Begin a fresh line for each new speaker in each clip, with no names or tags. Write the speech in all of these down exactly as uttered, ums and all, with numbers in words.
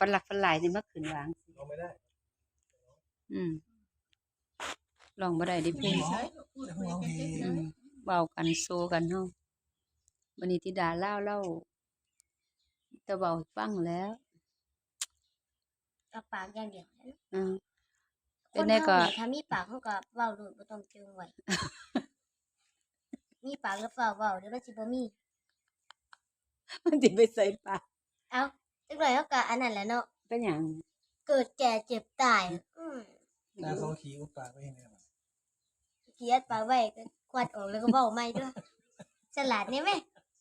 ฝันหลักฝันหลายนี่มาขึ้นวาง
ลองไม่ได้
อืมลองบ่ได้ดิเพิ่นอืมเว้ากันโซกันเนาะวันนี้ธิดาเล่าเล่าจะเว้าให้ฟังแล้ว
กับปากอย่างเดียว
อืม
ค
เป็น
น
ได้
เฮา
ก็
นี่ถ้ามีปากเฮาก็เว้าโลดบ่ต้องเจิงไว้ มีปากแล้วฟ้าวเว้าเดี๋ยวมันสิบ่มี
มันสิไปใส่ปาก
เอ้าจักหน่อยเฮาก็อันนั้นแหละเนาะ
เป็นหยัง
เกิดแก่เจ็บตายอืม
หน้าเขาขี้อุปปากไว้ยังไงวะ
เกลียดปากไว้ก็ควัดออกแล้วก็เว้าใหม่เด้อฉลาดแน่แม่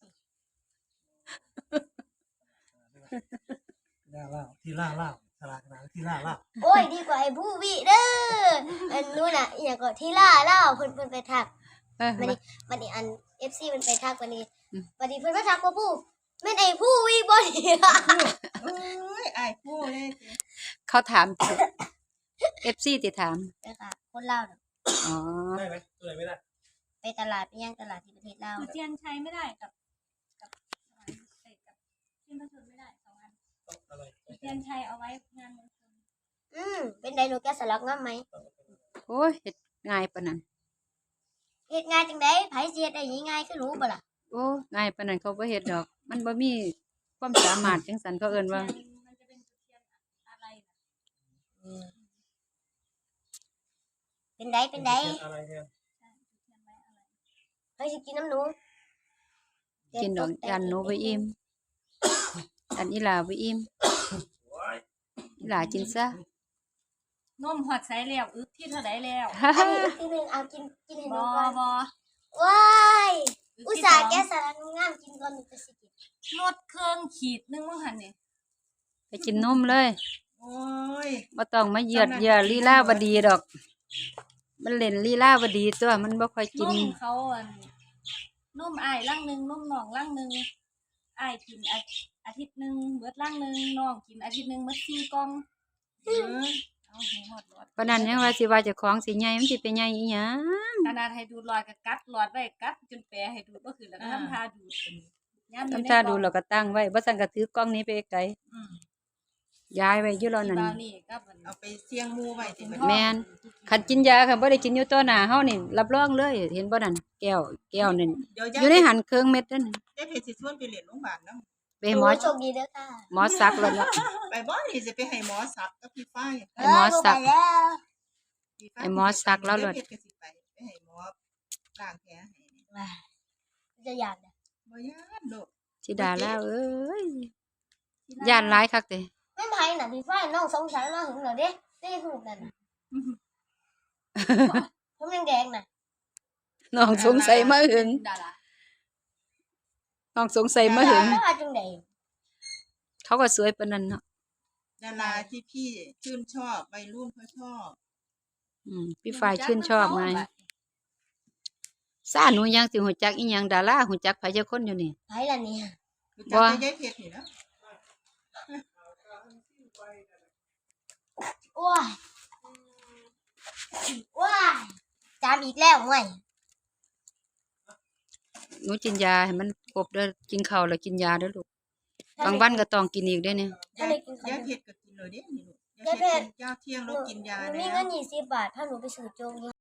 หน้าเล่าที่ล่าเล่าฉลาดขนาดที่ล่าเล่า
โอ้ยดีกว่าไอ้ผู้วิเด้ออันนู้นน่ะอีหยังก็ที่ล่าเล่าเพิ่นเพิ่นไปทัก
เออ
บัดนี้บัดนี้อัน เอฟ ซี มันไปทักบัดนี้
อืม
บัดนี้เพิ่นมาทักว่าผู้แม่นไอ้ผู้วิบ่นี่
เอ้ยอายพูดเลย
เขาถาม เอฟ ซี ติถาม
เด้อค่ะคนลาวน่ะ
อ๋อ
ได้ไหมตัวไหนไม่ได้
ไปตลาดไปย่างตลาดที่ประเทศลาว
คือเทียนใช้ไม่ได้กับกับอะไรเอ้ยกับเทียนพระชนไม่ได้สองอัน
ต้องอะไร
เทียนชัยเอาไว้งานมงคล
อืมเป็นไดหนูแกะสลักงามไหม
โอ้ยเฮ็ดง่ายปานนั้น
เฮ็ดง่ายจังได๋ไผสิเฮ็ดได้ง่ายๆคือหนูบ่ล่ะ
โอ้ง่ายปานนั้นเขาบ่เฮ็ดดอก มันบ่มีความสามารถจังซั่นเขาเอิ้นว่า
เทียนมันจะเป็นจุดเทียนอะไรนะ
อืมเป็นไดเป็นได
อะไรเนี่ย
ใช่จุดเทียนไว้อะไร
เฮ้ยสิกินน้ำหนู
กินดอกยันหนูบ่อิ่มอันอีหลาบ่อิ่มอีหลากินซะ
นมหอดใส่แล้วอึกที่เท่าไดแล้ว
อันนี้อีกทีหนึงเอากินกินให้ห
บ
นู
อ
ก่อน
บอ
ว้าย
อึก
อุต
ที่
ส่า
ส
ห์
อง
แกะสลักงามๆกินก่อนหนูจะสิกิน
ลดเครื่องขีดนึงว่าหันนี่
ไปกินนมเลย
โอ้ย
บ่ต้องมาเหยียดเหยียดลีลาบ่ดีดอก มันเล่นลีลาบ่ดีตัวมันบ่ค่อยกิ
น
น
มเขาอันนมอ้ายลังหนึงนมน้องลังหนึงอ้ายกินอาอาทิตย์หนึงเบิดลังหนึงน้องกินอาทิตย์หนึงเบิดสี่กล่อง
เออ
เอาให้หมดหลอด
เพราะนั้นยังว่าสิว่าเจ้าของสิใหญ่มันสิไปใหญ่อีหยัง
ขนาดให้ดูดหลอดก็กัดหลอดไว้กัดจนแปรให้ดูดบ่ขึ้นแล้วก็ทำท่าดูดยามอยู่ใน
ทำท่าดู
กล่อง
แล้วก็ตั้งไว้บ่ซั่นก็ถือกล้องนี้ไปไกล
อืม
ย้ายไว้อยู่แล้ว
ที่
นั่น
บ้านนี่กับอัน
เอาไปเสี่ยงหมูไว้สิบัด
แม่น คันกินยาคันบ่ได้กินอยู่ต่อหน้าเฮานี่รับรองเลย เห็นบ่นั่นแก้วแก้วนั่น
เดี๋ยว
อยู่ในหันเครื่องเม็ดนั่นน่ะ
ยายเพชรสิชวนไปเรียนโรงพยาบาลนำ
ไปให้หมอ
โชคดีเด้อค่ะ
หมอซักแล้วเนาะ
ไปบ่นี่สิไปให้หมอสักกับพี่ฝ้าย
ให้หมอสัก
เออบ่ไปแล้ว
พี่ฝ้าย
ให้หมอสักแล้วเลย
ยายเพชรก็สิไปไปให้หมอล้างแผลให้นี่
ว้ายจะยานนะ
บ่ย่านโดด
สิดาแล้วเอ้ยย่านหลายคักเด้
ไม่ไผน่ะพี่ฝ้ายน้องสงสัยมาหึงเหรอเด้ได้หูนั่นน่ะผมแดงๆน่ะ
น้องสงสัยมาหึง
ดารา
น้องสงสัยมาหึง
แล้วว่าจังได๋
เขาก็สวยปานนั้นเนาะ
ดาราที่พี่ชื่นชอบวัยรุ่นเขาชอบ
อืมพี่ฝ่ายชื่นชอบไงซ่าหนูยังสิฮู้จักอีหยังดาราฮู้จักไผจักคนอยู่นี่
ไผล่ะเนี่ย
รู้จัก
บ่
แต่ยายเพชรนี่นะ
โอ้ยว้ายจามอีกแล้วห่วย
หนูกินยาให้มันครบเด้อกินข้าวแล้วกินยาเด้อลูกบางวันก็ต้องกินอีกเด้อเนี่ย
ยายยายเพชรก็กินเลยเด้นี่ลูก
ยายเพชร
กินยาเที่ยงแล้วกินยา
หนูมี
แล้
เงิ
วน
ยี่สิบบาทถ้าหนูไปซื้อโจ๊ก